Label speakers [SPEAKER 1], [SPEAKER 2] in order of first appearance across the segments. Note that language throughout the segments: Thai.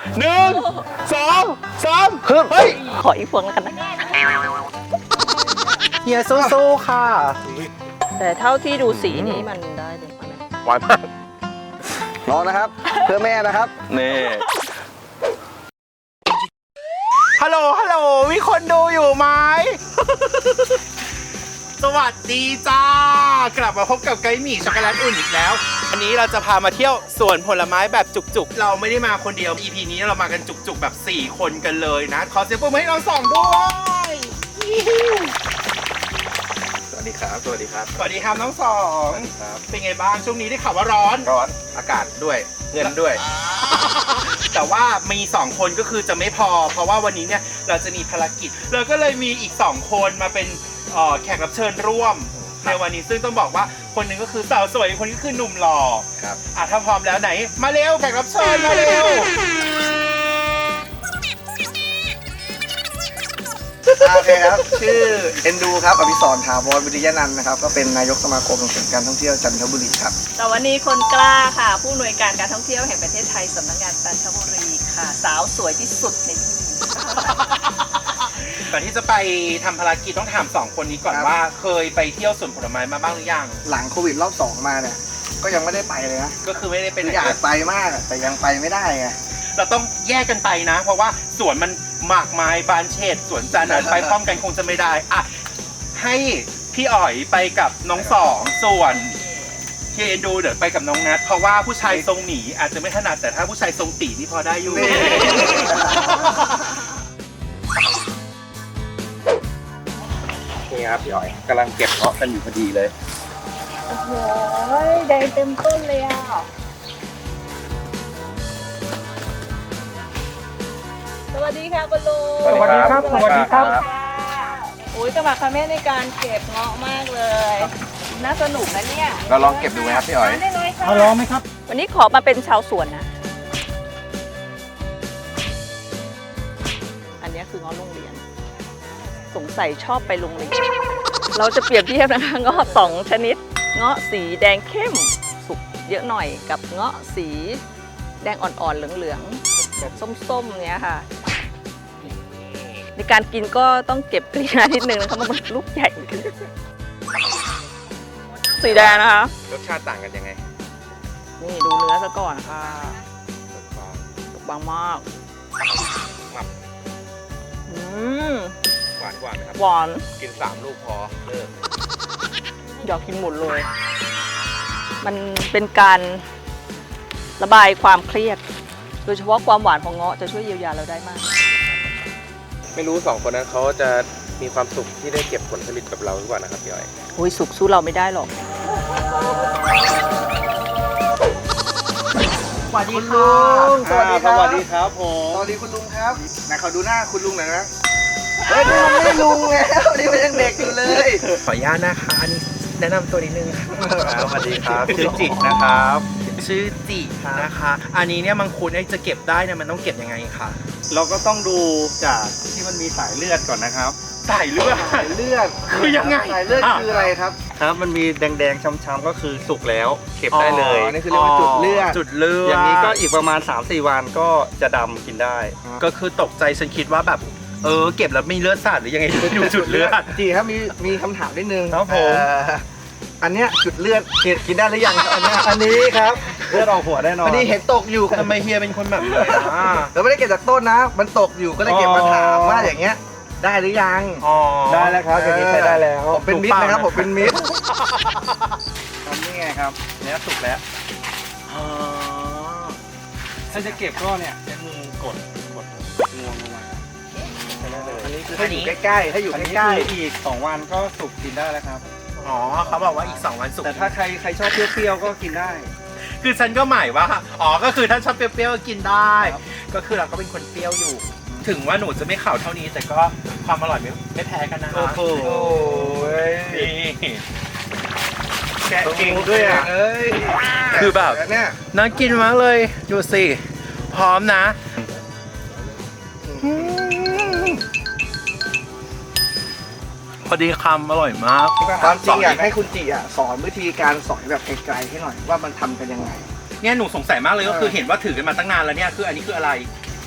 [SPEAKER 1] 1 2 3ฮึบเฮ้ย
[SPEAKER 2] ขออีกพวงแล้วกันนะ
[SPEAKER 1] เฮียสู้ๆค่ะ
[SPEAKER 2] แต่เท่าที่ดูสีนี้มันได้เลยไหม
[SPEAKER 1] หวานมาก
[SPEAKER 3] ลองนะครับ เพื่อแม่นะครับ
[SPEAKER 1] นี่ฮัลโหลฮัลโหลมีคนดูอยู่ไหม สวัสดีจ้ากลับมาพบกับไกด์หมี่ช็อกโกแลตอุ่นอีกแล้ววันนี้เราจะพามาเที่ยวสวนผลไม้แบบจุกๆเราไม่ได้มาคนเดียว EP นี้เรามากันจุกๆแบบ4คนกันเลยนะขอเสียงปรบมือให้เราสองด้วยสวัสดีครับสวัสดีครับสวัสดีครับน้องสองเป็นไงบ้างช่วงนี้ได้ข่าวว่าร้อนอากาศด้วยเงินด้วย แต่ว่ามี2คนก็คือจะไม่พอเพราะว่าวันนี้เนี่ยเราจะมีภารกิจเราก็เลยมีอีก2คนมาเป็นแขกรับเชิญร่วมในวันนี้ซึ่งต้องบอกว่าคนหนึ่งก็คือสาวสวยอีกคนก็คือหนุ่มหล่อครับถ้าพร้อมแล้วไหนมาเร็วแขกรับเชิญมาเร็ว
[SPEAKER 3] โอเคครับ ชื่อเอ็นดูครับอภิสรถาวรวิริยนันท์นะครับ ก็เป็นนายกสมาคมส่งเสริมการท่องเที่ยวจันทบุรีครับ
[SPEAKER 2] แต่วันนี้คนกล้าค่ะ ผู้อำนวยการการท่องเที่ยวแห่งประเทศไทยสำนักงานจันทบุรีค่ะ สาวสวยที่สุดในที่นี้
[SPEAKER 1] ก่อนที่จะไปทำภารกิจต้องถาม2คนนี้ก่อนว่าเคยไปเที่ยวสวนผลไม้มาบ้างหรือยัง
[SPEAKER 3] หลังโควิดรอบ2มาเนี่ยก็ยังไม่ได้ไปเลยนะ
[SPEAKER 1] ก็คือไม่ได้เป็น
[SPEAKER 3] อยากไปมากแต่ยังไปไม่ได้ไง
[SPEAKER 1] เราต้องแยกกันไปนะ เพราะว่าสวนมันมากมายบานเฉดสวนจันทร์ไปพร้อมกันคงจะไม่ได้อ่ะให้พี่อ๋อยไปกับน้องสองส่วนพี่เอ็นดูเดี๋ยวไปกับน้องนัทเพราะว่าผู้ชายทรงหนีอาจจะไม่ถนัดแต่ถ้าผู้ชายทรงตีนี่พอได้อยู่
[SPEAKER 4] นี่ครับพี่อ๋อยกำลังเก็บเงาะกันอยู่พอดีเลย
[SPEAKER 2] โอ้โหแดงเต็มต้นเลยอ่ะสวัสดีค่ะคุณลุง
[SPEAKER 4] สวัสดีครับสวัสดีครับ
[SPEAKER 2] โอ้ยสมัครคาเม่ในการเก็บเงาะมากเลย น่าสนุกนะเนี่ย
[SPEAKER 4] เราลองเก็บดูไหมครับพี่อ๋อย
[SPEAKER 2] ได้เลยค่ะ
[SPEAKER 4] เอาลองไหมครับ
[SPEAKER 2] วันนี้ขอมาเป็นชาวสวนนะ อันนี้คือเงาะโรงเรียน สงสัยชอบไปโรงเรียน เราจะเปรียบเทียบนะคะเงาะ2ชนิด เงาะสีแดงเข้มสุกเยอะหน่อยกับเงาะสีแดงอ่อนๆเหลืองๆแบบส้มๆเนี้ยค่ะ ในการกินก็ต้องเก็บกรีนานิดนึงนะคะมันลูกใหญ่สีแดงนะคะ
[SPEAKER 4] รสชาติต่างกันยังไง
[SPEAKER 2] นี่ดูเนื้อซะก่อนค่ะบางมากอืม
[SPEAKER 4] หวานกว่าไหมครับ
[SPEAKER 2] หวาน
[SPEAKER 4] กิน3 ลูกพอเลิก
[SPEAKER 2] อยากกินหมดเลย มันเป็นการระบายความเครียด โดยเฉพาะความหวานของเงาะจะช่วยเยียวยาเราได้มาก
[SPEAKER 4] ไม่รู้2 คนนั้นเขาจะมีความสุขที่ได้เก็บผลผลิตกับเราหรือเปล่านะครับพี่อ๋อย
[SPEAKER 2] โอ้ยสุกสู้เราไม่ได้หรอก
[SPEAKER 1] สวัสดี
[SPEAKER 3] คุณลุงสวัสดีครับ
[SPEAKER 4] สวัสดีครับผม
[SPEAKER 3] สวัสดีคุณลุงครับไหนขอดูหน้าคุณลุงหน่อยนะเฮ้ยนี่มันไม่ลุงแล้วนี่มันยังเด็กอยู่เลย
[SPEAKER 1] ขออนุญาตนะคะอันนี้แนะนำตัวนิดนึงค่ะ
[SPEAKER 4] สวัสดีครับชื่อจิตนะครับ
[SPEAKER 1] ชื่อจินะคะ อันนี้เนี่ยมังคุดจะเก็บได้เนี่ยมันต้องเก็บยังไงคะ
[SPEAKER 4] เราก็ต้องดูจากที่มันมีสายเลือดก่อนนะครับ
[SPEAKER 1] สายเลือด
[SPEAKER 3] สายเลือด
[SPEAKER 1] คือยังไง
[SPEAKER 3] สายเลือดคืออะไรครับ
[SPEAKER 4] ครับมันมีแดงๆช้ำๆก็คือสุกแล้วเก็บได้เลย
[SPEAKER 3] อ๋อนี่คือเรียกว่าจุดเลือด
[SPEAKER 1] จุดเลือด
[SPEAKER 4] อย่างนี้ก็อีกประมาณ 3-4 วันก็จะดำกินได้
[SPEAKER 1] ก็คือตกใจฉันคิดว่าแบบเก็บแล้วมีเลือดสาดหรือยังไงดูจุดเลือด
[SPEAKER 3] จีครับมีคำถามนิดนึง
[SPEAKER 1] ครับผม
[SPEAKER 3] อันเนี้ยจุดเลือดกินได้หรือยังครับอันเนี้ย
[SPEAKER 4] อันนี้ครับเลือดออกหัวแน่นอน
[SPEAKER 3] อันนี้เห็นตกอยู่
[SPEAKER 1] ทำไมเฮียเป็นคนแบบนี้อ่ะ
[SPEAKER 3] เราไม่ได้เก็บจากต้นนะ มันตกอยู่ก็เลยเก็บมาถามว่าอย่างเงี้ย ได้หรือยัง
[SPEAKER 1] อ๋อ
[SPEAKER 4] ได้แล้วครับอย่างนี้ใช้ได้แล้ว
[SPEAKER 3] ผมเป็นมิตรนะครับ
[SPEAKER 1] ถู
[SPEAKER 3] ผ
[SPEAKER 1] ก
[SPEAKER 3] ม
[SPEAKER 1] ปะ
[SPEAKER 3] เป็นมิตร
[SPEAKER 4] ทำนี่ไงครับเนี้ยสุกแล้ว
[SPEAKER 1] อ๋อ
[SPEAKER 4] ถ้าจะเก็บก็เนี่ยใช้มือกดงวงลงมาใช้ได้เลย
[SPEAKER 3] อันนี้คือถ้าอยู่ใกล้ๆถ้าอยู่
[SPEAKER 4] อันนี้
[SPEAKER 3] ใกล้
[SPEAKER 4] คืออีก2 วันก็สุกกินได้แล้วครับ
[SPEAKER 1] อ๋อเขาบอกว่าอีก2 วันสุก
[SPEAKER 4] แต่ถ้าใครชอบเปรี้ยวๆก็กินได้
[SPEAKER 1] คือฉันก็หมายว่าก็คือถ้าชอบเปรี้ยวๆก็กินได้ ก็คือเราก็เป็นคนเปรี้ยวอยู่ ถึงว่าหนูจะไม่ข่าวเท่านี้ แต่ก็ความอร่อยไม่แพ้กันนะคะ
[SPEAKER 4] โอ้โห
[SPEAKER 1] นี่
[SPEAKER 3] ๆแกะเก่งด้วยอ่ะเอ้ย
[SPEAKER 1] คือแบบ
[SPEAKER 3] เนี่ย
[SPEAKER 1] น่ากินมากเลยดูสิพร้อมนะพอดีคำอร่อยมาก
[SPEAKER 3] ความจริงอยากให้คุณจิอ่ะสอนวิธีการสอยแบบไกลๆให้หน่อยว่ามันทำกันยังไง
[SPEAKER 1] เนี่ยหนูสงสัยมากเลยก็คือเห็นว่าถือกันมาตั้งนานแล้วเนี่ยคืออันนี้คืออะไร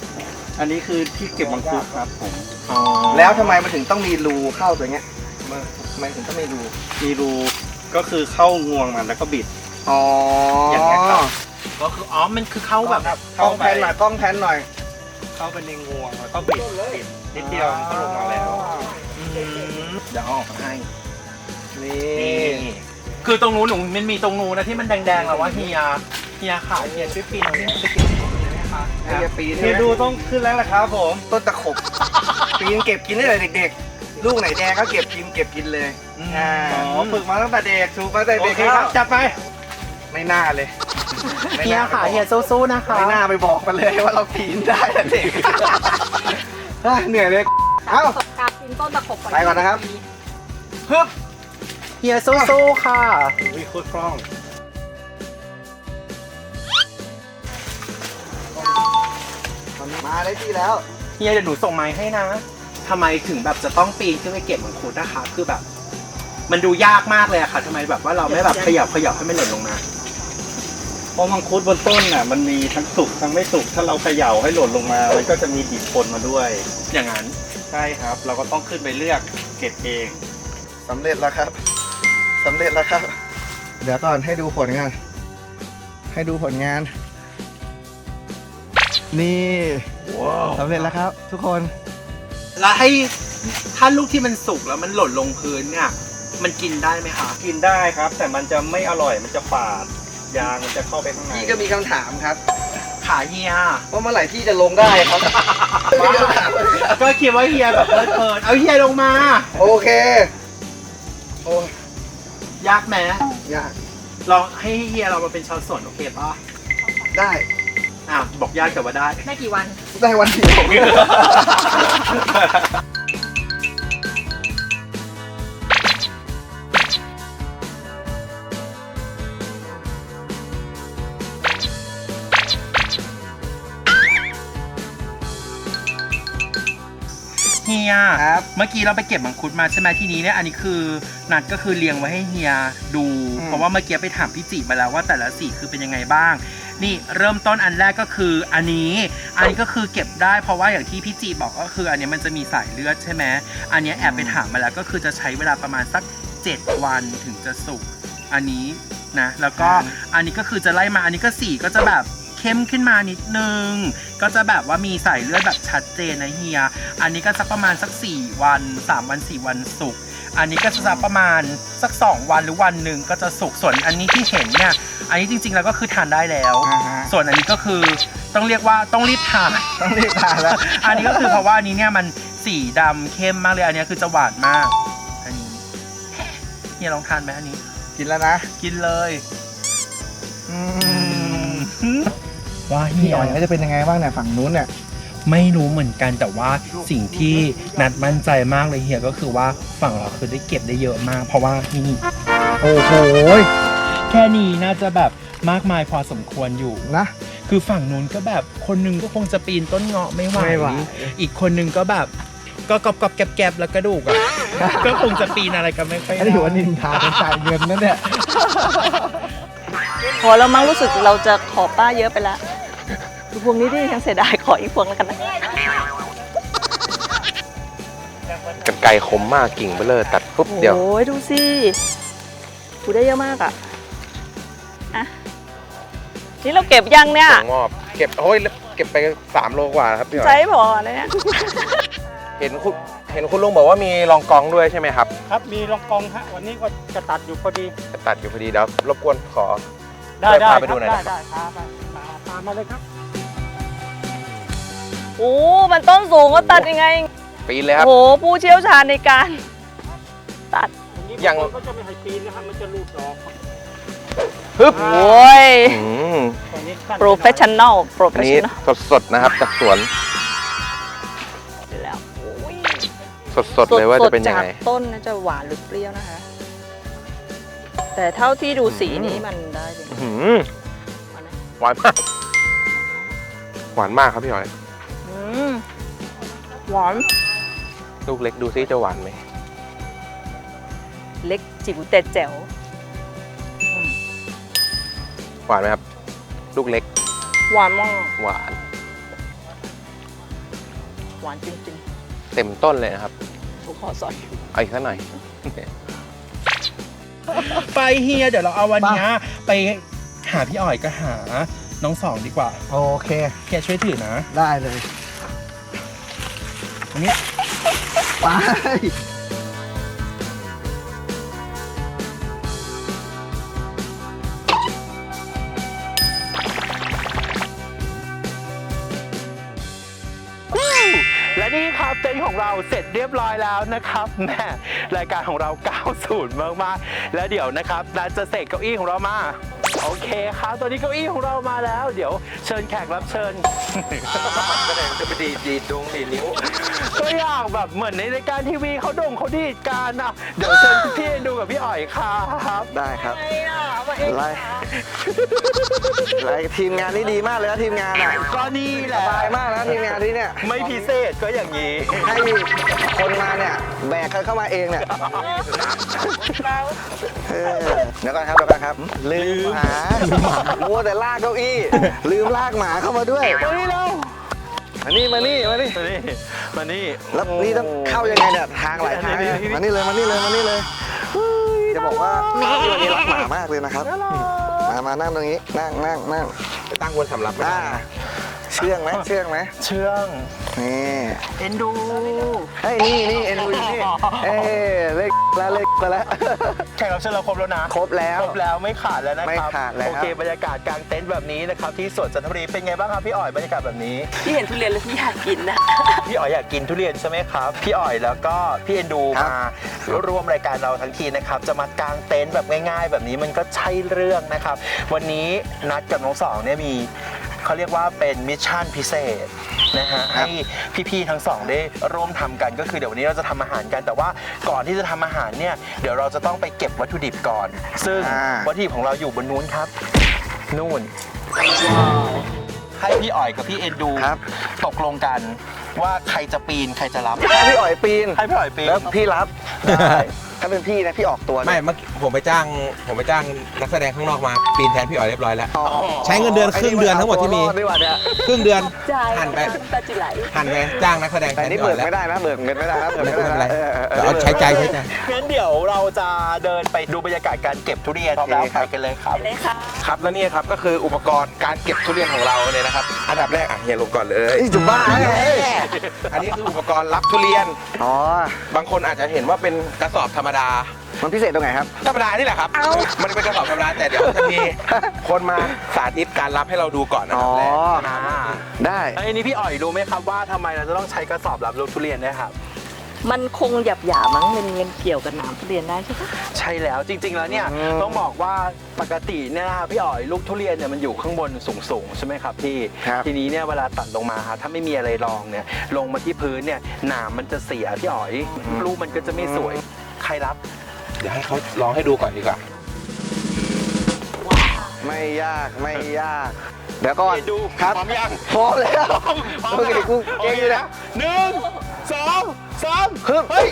[SPEAKER 4] อันนี้คือที่เก็บมังคุดครับผม
[SPEAKER 1] อ๋อ
[SPEAKER 3] แล้วทำไมมันถึงต้องมีรูเข้าตัวเงี้ยทำไมถึงต้องมีรู
[SPEAKER 4] มีรูก็คือเข้างวงมันแล้วก็บิด
[SPEAKER 3] อ๋ออย่าง
[SPEAKER 4] เงี้ยครับ
[SPEAKER 1] ก็คือมันคือเข้าแบบ
[SPEAKER 3] กล้องแพนหน่อยกล้องแพนหน่อย
[SPEAKER 4] เข้าไปในงวงแล้วก็บิดนิดเดียวมันก็ลงมาแล้ว
[SPEAKER 3] เดี๋ยวเอาออกมาให้ นี่
[SPEAKER 1] นี่คือตรงนู้นหนูมันมีตรงนู้นนะที่มันแดงๆแล้วว่าเฮียขาเฮียช่วยปีนไปเก็บได้ไหมคะ
[SPEAKER 3] ไอ้ยาปีน
[SPEAKER 4] เฮียดูต้องขึ้นแล้วแหละครับผม
[SPEAKER 3] ต้นตะขบ ปีนเก็บกินได้เลยเด็กๆ ลูกไหนแดงก็เก็บกินเลย
[SPEAKER 1] อ๋อ
[SPEAKER 3] ฝึกมาตั้งแต่เด็กถูกมาตั้งแต่
[SPEAKER 1] โอ
[SPEAKER 3] เด็ก
[SPEAKER 1] เคครับจัดไป
[SPEAKER 3] ไม่น่าเลยไม่
[SPEAKER 1] เฮีย
[SPEAKER 3] น่า
[SPEAKER 1] ขาเฮียสู้ๆนะคะ
[SPEAKER 3] ไม่น่าไปบอกมันเลยว่าเราปีนได้แต่เด็ก เหนื่อยเลย เอ้า
[SPEAKER 2] การปีนต้นตะขบ
[SPEAKER 3] ไปก่อนนะครับฮึบ
[SPEAKER 1] เฮียสู้ๆค่ะ
[SPEAKER 4] วิโคตรคล่อง
[SPEAKER 3] มาได้ที่แล้ว
[SPEAKER 1] เฮียเดี๋ยวหนูส่งไม้ให้นะทำไมถึงแบบจะต้องปีนขึ้นไปเก็บมังคุดนะคะ คือแบบ มันดูยากมากเลยอะค่ะทำไมแบบว่าเราไม่แบบขยับให้มันหล่นลงมา
[SPEAKER 4] เพราะมังคุดบนต้นน่ะมันมีทั้งสุกทั้งไม่สุกถ้าเราเขย่าให้หล่นลงมามันก็จะมีดิบปนมาด้วย
[SPEAKER 1] อย่างนั้น
[SPEAKER 4] ใช่ครับ เราก็ต้องขึ้นไปเลือกเก็บเอง
[SPEAKER 3] สำเร็จแล้วครับ สำเร็จแล้วครับ เดี๋ยวก่อนให้ดูผลงาน ให้ดูผลงาน นี่สำเร็จแล้วครับ ทุกคน
[SPEAKER 1] แล้วให้ถ้าลูกที่มันสุกแล้วมันหล่นลงพื้นเนี่ยมันกินได้ไหมคะ
[SPEAKER 4] กินได้ครับ แต่มันจะไม่อร่อยมันจะฝาดยางมันจะเข้าไปข้างใน
[SPEAKER 3] พี่ก็มีคำถามครับ
[SPEAKER 1] ขาเฮีย
[SPEAKER 3] ว่าเมื่อไหร่พี่จะลงได้ครับ
[SPEAKER 1] ก็คิดว่าเฮียแบบเพลินๆเอาเฮียลงมา
[SPEAKER 3] โอเค โอ้ย
[SPEAKER 1] ยากไหม
[SPEAKER 3] ยาก
[SPEAKER 1] ลองให้เฮียเรามาเป็นชาวสวนโอเคป่ะ
[SPEAKER 3] ได้
[SPEAKER 1] บอกยากแต่ว่าได้
[SPEAKER 2] ได้กี่วัน
[SPEAKER 3] ได้วันเดียว
[SPEAKER 1] เฮีย
[SPEAKER 3] ครับ
[SPEAKER 1] เมื่อกี้เราไปเก็บมังคุดมาใช่ไหมทีนี้เนี่ยอันนี้คือนัดก็คือเรียงไว้ให้เฮียดู เพราะว่าเมื่อกี้ไปถามพี่จิมาแล้วว่าแต่ละสีคือเป็นยังไงบ้าง นี่เริ่มต้นอันแรกก็คืออันนี้ก็คือเก็บได้เพราะว่าอย่างที่พี่จิบอกก็คืออันนี้มันจะมีสายเลือดใช่ไหมอันนี้แอบไปถามมาแล้วก็คือจะใช้เวลาประมาณสัก7 วันถึงจะสุกอันนี้นะแล้วก็อันนี้ก็คือจะไล่มาอันนี้ก็สีก็จะแบบเข้มขึ้นมานิดนึงก็จะแบบว่ามีสายเลือดแบบชัดเจนนะเฮียอันนี้ก็สักประมาณสัก4 วัน3 วัน4 วันสุกอันนี้ก็จะสักประมาณสัก2 วันหรือวันหนึ่งก็จะสุกส่วนอันนี้ที่เห็นเนี่ยอันนี้จริงๆแล้วก็คือทานได้แล้ว ส่วนอันนี้ก็คือต้องเรียกว่าต้องรีบทาน
[SPEAKER 3] ต้องรีบทานแล้ว
[SPEAKER 1] อันนี้ก็คือเพราะว่าอันนี้เนี่ยมันสีดำเข้มมากเลยอันนี้คือจะหวานมากอันนี้เฮียลองทานไหมอันนี้
[SPEAKER 3] กินแล้วนะ
[SPEAKER 1] กินเลย
[SPEAKER 3] อืม
[SPEAKER 1] ว่าเฮี
[SPEAKER 3] พี่
[SPEAKER 1] ย
[SPEAKER 3] อ๋อยก็จะเป็นยังไงบ้างเนี่ยฝั่งนู้นเนี่ย
[SPEAKER 1] ไม่รู้เหมือนกันแต่ว่าสิ่งที่นัดมั่นใจมากเลยเฮียก็คือว่าฝั่งเราคือได้เก็บได้เยอะมาก เพราะว่านี่โอ้โหแค่นี้น่าจะแบบมากมายพอสมควรอยู่
[SPEAKER 3] นะ
[SPEAKER 1] คือฝั่งนู้นก็แบบคนหนึงก็คงจะปีนต้นเงาะไม่ไหว
[SPEAKER 3] ไม่ไหว
[SPEAKER 1] อีกคนหนึงก็แบบก็กรอบๆแกบๆแล้วกระดูกอ่ะ ก็คงจะปีนอะไรกันไม่ค่อย
[SPEAKER 3] อันนี้ถือว่านินทาเป็นจ่ายเงินนะเนี่ย
[SPEAKER 2] พอแล้วมั้งรู้สึกเราจะขอป้าเยอะไปแล้วดูพวงนี้ดิยังเสียดายขออีกพวงแล้วกันนะ
[SPEAKER 5] กันไกรคมมากกิ่งเบลอตัดปุ๊บเดียว
[SPEAKER 2] โอ้ยดูสิกูได้เยอะมากอ่ะอ่ะนี่เราเก็บยังเนี่ย
[SPEAKER 5] ถั่วงอกเก็บโอ้ยเก็บไป3 โลกว่าครับพี่หน่
[SPEAKER 2] ใช้
[SPEAKER 5] อย
[SPEAKER 2] พอเลยเนี่ย
[SPEAKER 5] เห็นคุณลุงบอกว่ามีรองกองด้วยใช่ไหมครับ
[SPEAKER 4] ครับมีรองกองฮะวันนี้ก็จะตัดอยู่พอดี
[SPEAKER 5] จะตัดอยู่พอดีเดี๋ยวรบกวนขอ
[SPEAKER 4] ได้
[SPEAKER 5] พาไป
[SPEAKER 4] ค
[SPEAKER 5] ดู
[SPEAKER 4] รับ
[SPEAKER 5] หน่อย
[SPEAKER 4] ได้
[SPEAKER 5] นะครับ
[SPEAKER 4] ได้พาไปตามมาเลยครับ
[SPEAKER 2] โอ้มันต้นสูงก็ตัดยังไง
[SPEAKER 5] ปีนเลยครับ
[SPEAKER 2] โอ้โหผู้เชี่ยวชาญในการตัด
[SPEAKER 5] ยัง
[SPEAKER 4] บางคนก็จะไม่ให้ปีนนะครับมันจะรูดดอก
[SPEAKER 5] ฮึบ
[SPEAKER 2] โอ้ย
[SPEAKER 5] อืม
[SPEAKER 4] ตอนนี้สั้น
[SPEAKER 2] โปรเฟชชั่นอลโปรเฟ
[SPEAKER 5] อั
[SPEAKER 2] ช
[SPEAKER 5] นนี้
[SPEAKER 2] ชั่นอล
[SPEAKER 5] สดๆนะครับจากสวน
[SPEAKER 2] แล้วโอ้ย
[SPEAKER 5] สดๆเลยว่าจะเป็นยังไง
[SPEAKER 2] สดๆจากต้นนะจะหวานหรือเปรี้ยวนะคะ แต่เท่าที่ดูสีนี้มันได้เลย
[SPEAKER 5] อื้อหือหวานมากหวานมากครับพี่หอย
[SPEAKER 2] อืมหวาน
[SPEAKER 5] ลูกเล็กดูซิจะหวานไหม
[SPEAKER 2] เล็กจิ๋วแต่แจ๋ว
[SPEAKER 5] หวานไหมครับ ลูกเล็ก
[SPEAKER 2] หวานมาก
[SPEAKER 5] หวาน
[SPEAKER 2] อหวานจริง
[SPEAKER 5] เต็มต้นเลยนะครับ
[SPEAKER 2] ๆทุกขอสอย
[SPEAKER 5] เอาอีกสักหน่อย
[SPEAKER 1] ไปเฮียเดี๋ยวเราเอาวันเนี้ยไปหาพี่อ๋อยก็หาน้องสองดีกว่า
[SPEAKER 3] โอเค
[SPEAKER 1] เฮียช่วยถือนะ
[SPEAKER 3] ได้เลยตรงนี้ไป
[SPEAKER 1] และนี่ครับเต็นท์ของเราเสร็จเรียบร้อยแล้วนะครับแม่รายการของเรา 90 มากๆแล้วเดี๋ยวนะครับนัดจะเสกเก้าอี้ของเรามาโอเคครับตอนนี้เก้าอี้ของเรามาแล้ว เดี๋ยวเชิญแขกรับเชิญ
[SPEAKER 5] จะไปดีดดงดีนิ้ว
[SPEAKER 1] ก็อยากแบบเหมือนในรายการทีวีเขาโด่งเขาดีดกันอ่ะเดี๋ยวเชิญพี่ดูกับพี่อ๋อยครับ
[SPEAKER 3] ได้ครับ
[SPEAKER 2] ไอ้อะมาเอง
[SPEAKER 3] ไล่ทีมงานนี่ดีมากเลยนะทีมงานอ่ะ
[SPEAKER 1] ก็นี่แห
[SPEAKER 3] ส
[SPEAKER 1] ละ
[SPEAKER 3] บายมากนะทีมงานที่เนี่ย
[SPEAKER 1] ไม่พิเศษก็อย่างนี้
[SPEAKER 3] ให้คนมาเนี่ยแบกเข้ามาเองเนี่ยเดี๋ยวก่อนครับลืมหมามัวแต่ลากเก้าอี้ ลืมลากหมาเข้ามาด้วย
[SPEAKER 1] มานี่เรา
[SPEAKER 3] มานี่
[SPEAKER 1] มานี่
[SPEAKER 3] แล้วนี่ต้องเข้ายังไงเนี่ยทางหลายทางมานี่เลยจะบอกว่าพี่วันนี้รักหมามากเลยนะครับมานั่งตรงนี้นั่ง
[SPEAKER 5] ตั้งบนสำรับไม่ได้
[SPEAKER 3] เชื่องไหม
[SPEAKER 1] เชื่อง
[SPEAKER 3] นี่
[SPEAKER 1] เอ็นดู
[SPEAKER 3] เฮ้ยนี่เอ็นดูอยู่นี่เลขแล้ว
[SPEAKER 1] แขกรับเชิญเราครบแล้วนะ
[SPEAKER 3] ครบแล้ว
[SPEAKER 1] ไม่ขาดแล้วนะครับ
[SPEAKER 3] ไม่ขาดแล้ว
[SPEAKER 1] โอเคบรรยากาศกลางเต็นท์แบบนี้นะครับที่สวนจันทบุรีเป็นไงบ้างครับพี่อ๋อยบรรยากาศแบบนี้
[SPEAKER 2] พี่เห็นทุเรียนแล้วพี่อยากกินนะ
[SPEAKER 1] พี่อ๋อยอยากกินทุเรียนใช่ไหมครับพี่อ๋อยแล้วก็พี่เอ็นดูมาร่วมรายการเราทั้งทีนะครับจะมากางเต็นท์แบบง่ายๆ แบบนี้มันก็ใช่เรื่องนะครับวันนี้นัดกับน้องสองเนี่ยมีเขาเรียกว่าเป็นมิชชั่นพิเศษนะฮะให้พี่ๆทั้งสองได้ร่วมทำกันก็คือเดี๋ยววันนี้เราจะทำอาหารกันแต่ว่าก่อนที่จะทำอาหารเนี่ยเดี๋ยวเราจะต้องไปเก็บวัตถุดิบก่อน ซึ่งวัตถุดิบของเราอยู่บนนู้นครับนู่นให้พี่อ๋อยกับพี่เอ็นดูตกลงกันว่าใครจะปีนใครจะรับ
[SPEAKER 3] ให้พี่อ๋อยปีน
[SPEAKER 1] ให้พี่อ๋อยปีน
[SPEAKER 3] แล้วพี่รับถ้าเป็นพี่นะพี่ออกตัว
[SPEAKER 5] ไม่เมื่อกี้ผมไปจ้างนักแสดงข้างนอกมาปีนแทนพี่อ๋อยเรียบร้อยแล้ว ใช้เงินเดือนครึ่งเดือนทั้งหมดที่มี ครึ่งเดือน
[SPEAKER 2] จ่าย
[SPEAKER 5] หั่นไป
[SPEAKER 2] ตาจิไหล
[SPEAKER 5] หันไปจ้างนักแสดงแท
[SPEAKER 3] แต่
[SPEAKER 5] น
[SPEAKER 3] นี่
[SPEAKER 5] พี่อ๋
[SPEAKER 3] เบิ
[SPEAKER 5] อก ยแล้ว
[SPEAKER 3] ไม่ได้นะเบิกเงินไม่ได้นะเบิก
[SPEAKER 5] ไม่
[SPEAKER 3] ไม่
[SPEAKER 5] เป็น
[SPEAKER 3] ได้
[SPEAKER 5] ไร
[SPEAKER 3] นะ
[SPEAKER 5] เอาใช้ใจ
[SPEAKER 1] งั้นเดี๋ยวเราจะเดินไปดูบรรยากาศการเก็บทุเรียนพร้อมแล้วไปกันเลยครับ
[SPEAKER 2] เลยค่ะ
[SPEAKER 5] ครับแล้วนี่ครับก็คืออุปกรณ์การเก็บทุเรียนของเราเลยนะครับอันดับแรกเฮียลงก่อนเลย
[SPEAKER 3] นี่จุบ้าไง
[SPEAKER 5] อันนี้คืออุปกรณ์รับทุเรียน
[SPEAKER 3] อ๋อบ
[SPEAKER 5] างคนอาจจะเห็นว่าเป็นกระสอบธรรมดา
[SPEAKER 3] มันพิเศษตรงไหนครับ
[SPEAKER 5] ธรรมดานี่แหละครับ มันเป็นกระสอบธรรมดาแต่เดี๋ยวจะมีคนมาสาธิตการรับให้เราดูก่อนนะค
[SPEAKER 3] อ๋
[SPEAKER 5] รั
[SPEAKER 3] อบ
[SPEAKER 5] แรก
[SPEAKER 3] ได้
[SPEAKER 1] อันนี้พี่อ๋อยรู้ไหมครับว่าทำไมเราจะต้องใช้กระสอบรับลูกทุเรียนนะครับ
[SPEAKER 2] มันคงหยาบๆมั้งมันเกี่ยวกับหนามทุเรียนได้ใช่ปะ
[SPEAKER 1] ใช่แล้วจริง ๆ แล้วเนี่ยต้องบอกว่าปกติเนี่ยนะครับพี่อ๋อยลูกทุเรียนเนี่ยมันอยู่ข้างบนสูงๆใช่ไหมครับพี่
[SPEAKER 3] ครับ
[SPEAKER 1] ทีนี้เนี่ยเวลาตัดลงมาครับถ้าไม่มีอะไรรองเนี่ยลงมาที่พื้นเนี่ยหนามมันจะเสียพี่อ๋อยลูกมันก็จะไม่สวยใครรับ
[SPEAKER 5] เดี๋ยวให้เขาลองให้ดูก่อนดีกว่า
[SPEAKER 3] ไม่ยาก เดี๋ยวก่อน
[SPEAKER 1] ดู
[SPEAKER 3] ครับ
[SPEAKER 1] พร้อมยัง
[SPEAKER 3] พร้อมแล้ว
[SPEAKER 1] พร้อม
[SPEAKER 3] โอเคกูเก่งอยู่นะ
[SPEAKER 1] 1 2 3
[SPEAKER 3] ฮึบ
[SPEAKER 1] เฮ้ย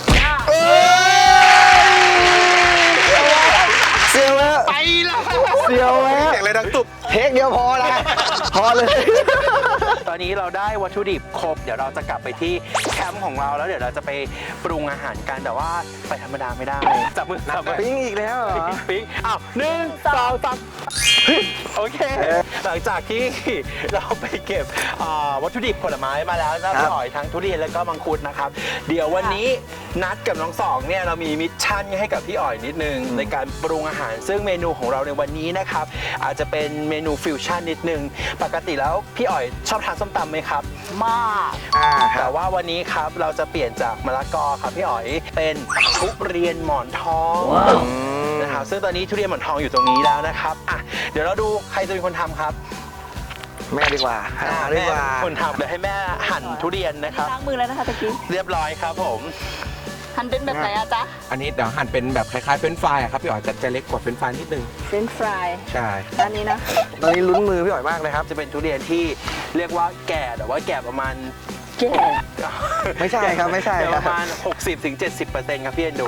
[SPEAKER 3] เสียวแล้ว
[SPEAKER 1] ไปแล้ว
[SPEAKER 3] เสียวแล้ว
[SPEAKER 5] เสียงอะไรดังตุบ
[SPEAKER 3] เทคเดียวพอนะพอเลย
[SPEAKER 1] ตอนนี้เราได้วัตถุดิบครบเดี๋ยวเราจะกลับไปที่แคมป์ของเราแล้วเดี๋ยวเราจะไปปรุงอาหารกันแต่ว่าไปธรรมดาไม่ได้จับมือ
[SPEAKER 3] ปิ้งอีกแล้วเหรอ
[SPEAKER 1] ปิ๊งอ้าว1 2 3โอเค หลังจากที่เราไปเก็บวัตถุดิบผลไม้มาแล้วนะพี่อ๋อยทั้งทุเรียนแล้วก็มังคุดนะครับเดี๋ยววันนี้นัดกับน้องสองเนี่ยเรามีมิชชั่นให้กับพี่อ๋อยนิดนึงในการปรุงอาหารซึ่งเมนูของเราในวันนี้นะครับอาจจะเป็นเมนูฟิวชั่นนิดนึงปกติแล้วพี่อ๋อยชอบทานส้มตำไหมครับมาก แต่ว่าวันนี้ครับเราจะเปลี่ยนจากมะละกอครับพี่อ๋อยเป็นทุเรียนหมอนทองนะครับซึ่งตอนนี้ทุเรียนหมอนทองอยู่ตรงนี้แล้วนะครับอ่ะเดี๋ยวเราดูใครจะเป็นคนทำครับ
[SPEAKER 3] แม่ดีกว่าดีกว่า
[SPEAKER 1] แม่เป็นคนทำเดี๋ยวให้แม่หั่นทุเรียนนะครับ
[SPEAKER 2] ล้างมือแล้วนะคะตะกี้
[SPEAKER 1] เรียบร้อยครับผม
[SPEAKER 2] หั่นเป็นแบบไหนอะจ๊ะ
[SPEAKER 5] อันนี้เดี๋ยวหั่นเป็นแบบคล้ายๆเฟรนช์ฟรายอะครับพี่อ๋อยจะเล็กกว่าเฟรนช์ฟรายนิดนึง
[SPEAKER 2] เฟรนช์ฟราย
[SPEAKER 5] ใช่
[SPEAKER 2] อันนี้นะ
[SPEAKER 3] ตอนนี้ลุ้นมือพี่อ๋อยมากเลยครับ
[SPEAKER 1] จะเป็นทุเรียนที่เรียกว่าแก่แต่ว่าแก่ประมาณ
[SPEAKER 2] แก่
[SPEAKER 3] ไม่ใช่ครับไม่ใช่
[SPEAKER 1] แก่
[SPEAKER 3] ค
[SPEAKER 1] ป
[SPEAKER 3] รับ
[SPEAKER 1] ระมาณ 60-70%ครับพี่เอ็นดู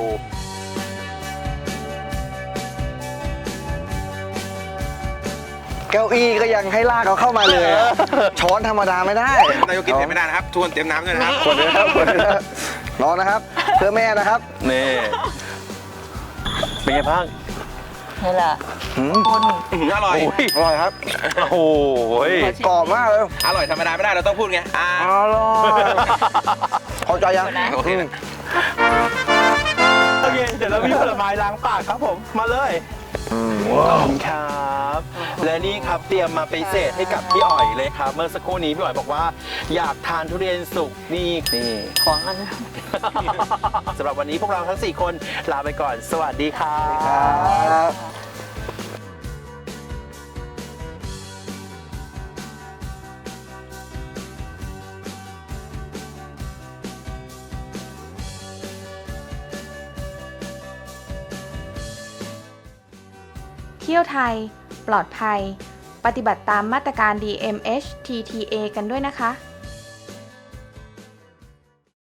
[SPEAKER 3] เก้าอี้ก็ยังให้ลากเขาเข้ามาเลยอะช้อนธรรมดาไม่ได้
[SPEAKER 5] นายกกินเผ็ดไม่ได้นะครับทวนเตรียมน้ำด้วยนะครับ
[SPEAKER 3] คนเดียวครับคนเดียวครับรอนะครับ เพื่อแม่นะครับ
[SPEAKER 4] นี่เป็นไงบ้าง
[SPEAKER 2] นี่แหละ
[SPEAKER 3] หืม
[SPEAKER 2] คน
[SPEAKER 5] อร่อย
[SPEAKER 3] อร่อยครับ
[SPEAKER 4] โอ้โห
[SPEAKER 3] กรอบมากเลย
[SPEAKER 5] อร่อยธรรมดาไม่ได้เราต้องพูดไง
[SPEAKER 3] อร่อยพอใจยัง
[SPEAKER 5] โอเคนะ
[SPEAKER 4] โอเค เดี๋ยวเรามีผลไม้ล้างปากครับผม มาเลยขอบคุณครับ และนี่ครับเตรียมมาพิเศษให้กับพี่อ๋อยเลยครับ เมื่อสักครู่นี้พี่อ๋อยบอกว่าอยากทานทุเรียนสุกนี่
[SPEAKER 2] ของอันนั้น
[SPEAKER 4] สำหรับวันนี้พวกเราทั้ง 4 คนลาไปก่อน สวัสดีครับ
[SPEAKER 3] ครับ
[SPEAKER 6] เที่ยวไทย ปลอดภัย ปฏิบัติตามมาตรการ DMHTTA กันด้วยนะคะ